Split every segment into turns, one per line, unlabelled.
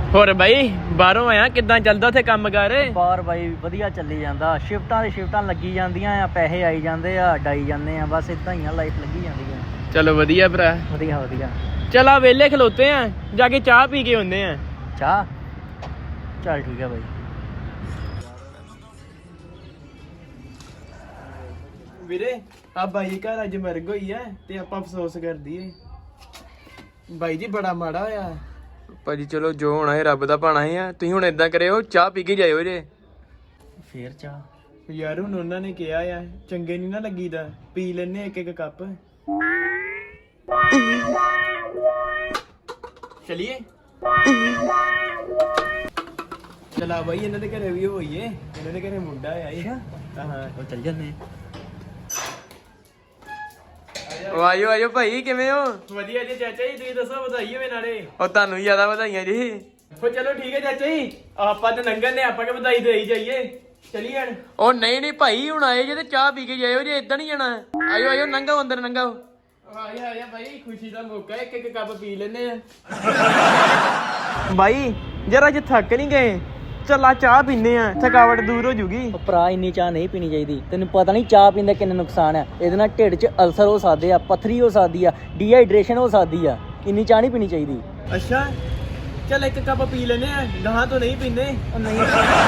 ਹੋਰ ਬਾਈ ਬਾਹਰੋਂ ਆਇਆ ਕਿੱਦਾਂ ਚੱਲਦਾ ਉੱਥੇ ਕੰਮ ਕਰ?
ਬਾਹਰ ਬਾਈ ਵਧੀਆ ਚੱਲੀ ਜਾਂਦਾ, ਸ਼ਿਫਟਾਂ ਦੀ ਸ਼ਿਫਟਾਂ ਲੱਗੀ ਜਾਂਦੀਆਂ ਆ, ਪੈਸੇ ਆਈ ਜਾਂਦੇ ਆ, ਡਾਈ ਜਾਂਦੇ ਆ, ਬਸ ਇਦਾਂ ਹੀ ਆ, ਲਾਈਫ ਲੱਗੀ ਜਾਂਦੀ ਆ।
ਚਲੋ ਵਧੀਆ ਭਰਾ।
ਵਧੀਆ ਵਧੀਆ।
ਚਲ ਆ ਵਿਹਲੇ ਖਲੋਤੇ ਆ, ਜਾ ਕੇ ਚਾਹ ਪੀ ਕੇ ਆਉਂਦੇ ਆ।
ਚਾਹ? ਚੱਲ ਠੀਕ ਆ ਬਾਈ।
ਵੀਰੇ ਆ ਬਾਈ ਘਰ ਅੱਜ ਮਰਗ ਹੋਈ ਐ ਤੇ ਆਪਾਂ ਅਫਸੋਸ ਕਰਦੀ ਏ। ਬਾਈ ਜੀ ਬੜਾ ਮਾੜਾ ਹੋਇਆ ਭਾਜੀ। ਚਲੋ ਜੋ ਹੋਣਾ ਹੈ ਰੱਬ ਦਾ ਭਾਣਾ ਹੀ ਆ। ਤੁਸੀਂ ਹੁਣ ਏਦਾਂ ਕਰਿਓ, ਚਾਹ ਪੀ ਕੇ ਜਾਇਓ ਜੇ।
ਫੇਰ ਚਾਹ?
ਯਾਰ ਹੁਣ ਉਹਨਾਂ ਨੇ ਕਿਹਾ ਆ, ਚੰਗੇ ਨਹੀਂ ਨਾ ਲੱਗੀਦਾ, ਪੀ ਲੈਨੇ ਇੱਕ ਇੱਕ ਕੱਪ। ਚਲਿਏ ਚਲਾ ਬਾਈ, ਇਹਨਾਂ ਦੇ ਘਰੇ ਵੀ ਹੋਈਏ, ਇਹਨਾਂ ਦੇ ਘਰੇ ਮੁੰਡਾ ਆਇਆ ਈ। ਹਾਂ
ਉਹ ਚੱਲ ਜੰਨੇ।
ਆਇਓ ਆਇਓ ਭਾਈ, ਕਿਵੇਂ ਹੋ? ਵਧੀਆ ਜੀ ਚਾਚਾ ਜੀ, ਤੁਸੀਂ ਦੱਸੋ, ਵਧਾਈ ਹੋਵੇ ਨਾਲੇ। ਉਹ ਤੁਹਾਨੂੰ ਜ਼ਿਆਦਾ ਵਧਾਈਆਂ ਜੀ। ਉਹ ਚਲੋ ਠੀਕ ਹੈ ਚਾਚਾ ਜੀ, ਆਪਾਂ ਤੇ ਲੰਘਣ ਨੇ, ਆਪਾਂ ਕਿ ਵਧਾਈ ਦੇਈ ਜਾਈਏ। ਚਲੀਏ ਹਣ। ਉਹ ਨਹੀਂ ਨਹੀਂ ਭਾਈ, ਹੁਣ ਆਏ ਜੇ ਤੇ ਚਾਹ ਪੀ ਕੇ ਜਾਇਓ ਜੇ, ਏਦਾਂ ਨਹੀਂ ਜਾਣਾ। ਆਇਓ ਆਇਓ, ਲੰਘਾਓ ਅੰਦਰ, ਲੰਘਾਓ। ਆਇਆ ਆਇਆ ਭਾਈ, ਖੁਸ਼ੀ ਦਾ ਮੌਕਾ, ਇੱਕ ਇੱਕ ਕੱਪ ਪੀ ਲੈਨੇ ਆ। ਬਾਈ ਜਰਾ ਅੱਜ ਥੱਕ ਨਹੀਂ ਗਏ, ਚੱਲਾ ਚਾਹ ਪੀਨੇ ਆ, ਥਕਾਵਟ ਦੂਰ ਹੋ ਜੂਗੀ।
ਭਰਾ ਇੰਨੀ ਚਾਹ ਨਹੀਂ ਪੀਣੀ ਚਾਹੀਦੀ, ਤੈਨੂੰ ਪਤਾ ਨਹੀਂ ਚਾਹ ਪੀਣ ਦਾ ਕਿੰਨਾ ਨੁਕਸਾਨ ਆ। ਇਹਦੇ ਨਾਲ ਢਿੱਡ 'ਚ ਅਲਸਰ ਹੋ ਸਕਦੇ ਆ, ਪੱਥਰੀ ਹੋ ਸਕਦੀ ਆ, ਡੀਹਾਈਡਰੇਸ਼ਨ ਹੋ ਸਕਦੀ ਆ। ਇੰਨੀ ਚਾਹ ਨਹੀਂ ਪੀਣੀ ਚਾਹੀਦੀ।
ਅੱਛਾ ਚੱਲ ਇੱਕ ਕੱਪ ਪੀ ਲੈਨੇ ਆ, ਗਾਹਾਂ ਤੋਂ ਨਹੀਂ ਪੀਨੇ।
ਨਹੀਂ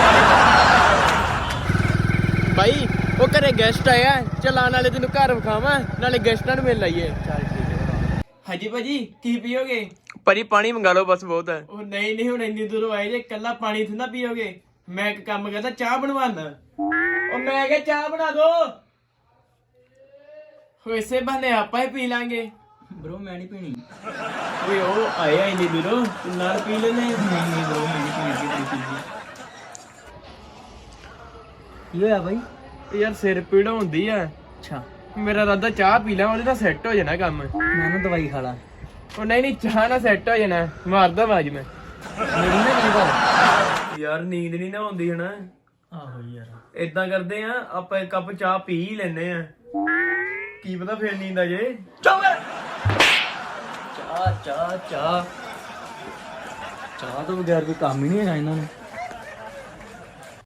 ਬਾਈ ਉਹ ਘਰੇ ਗੈਸਟ ਆਇਆ, ਚਲਾ ਨਾਲੇ ਤੈਨੂੰ ਘਰ ਵਿਖਾਵਾਂ, ਨਾਲੇ ਗੈਸਟਾਂ ਨੂੰ ਮਿਲ ਲਾਈਏ।
ਚੱਲ ਠੀਕ ਹੈ।
ਹਾਂਜੀ ਭਾਜੀ, ਕੀ ਪੀਓਗੇ? ਭਾਜੀ ਪਾਣੀ ਮੰਗਾ ਲਓ ਬਸ, ਬਹੁਤ ਹੈ। ਉਹ ਨਹੀਂ ਨਹੀਂ, ਹੁਣ ਇੰਨੀ ਦੂਰੋਂ ਆਏ ਜੇ, ਇਕੱਲਾ ਪਾਣੀ ਥੋੜਾ ਪੀਓਗੇ। ਮੈਂ ਇੱਕ ਕੰਮ ਕਰਦਾ, ਚਾਹ ਬਣਵਾਣਾ। ਉਹ ਮੈਂ ਕਿਹਾ ਚਾਹ ਬਣਾ ਦੋ। ਇਸੇ ਬਹਾਨੇ ਆਪਾਂ ਹੀ ਪੀ ਲਾਂਗੇ।
ਬ్రో ਮੈਂ ਨਹੀਂ ਪੀਣੀ।
ਓਏ ਉਹ ਆਇਆ ਇੰਨੀ ਦੂਰੋਂ, ਤੂੰ ਨਾਲ ਪੀ ਲੈਨੇ।
ਨਹੀਂ ਬ్రో ਮੈਂ ਨਹੀਂ ਪੀਣੀ। ਕੀ ਹੋਇਆ ਬਾਈ?
ਯਾਰ ਸਿਰ ਪੀੜ ਹੁੰਦੀ ਆ।
ਅੱਛਾ
ਮੇਰਾ ਰਾਦਾ ਚਾਹ ਪੀ ਲਾਂ, ਉਹਦੇ ਨਾਲ ਸੈੱਟ ਹੋ ਜਾਣਾ ਕੰਮ।
ਮੈਂ ਨਾ ਦਵਾਈ ਖਾ ਲਾਂ।
ਉਹ ਨਹੀਂ ਨਹੀਂ, ਚਾਹ ਨਾਲ ਸੈੱਟ ਹੋ ਜਾਣਾ, ਮਾਰਦਾ ਆਵਾਜ਼ ਮੈਂ।
ਮੇਰੀ ਨਾ ਕੀ ਕਰ
ਯਾਰ ਨੀਂਦ ਨਹੀਂ ਨਾ ਆਉਂਦੀ ਹਨਾ।
ਆਹੋ ਯਾਰ,
ਏਦਾਂ ਕਰਦੇ ਆ, ਆਪਾਂ ਇੱਕ ਕੱਪ ਚਾਹ ਪੀ ਹੀ ਲੈਨੇ ਆ, ਕੀ ਪਤਾ ਫੇਰ ਨੀਂਦ ਆ ਜੇ।
ਚਾਹ ਚਾਹ ਚਾਹ ਚਾਹ ਤੋਂ ਬਗੈਰ ਕੋਈ ਕੰਮ ਹੀ ਨਹੀਂ ਹੈਗਾ ਇਹਨਾਂ ਨੂੰ।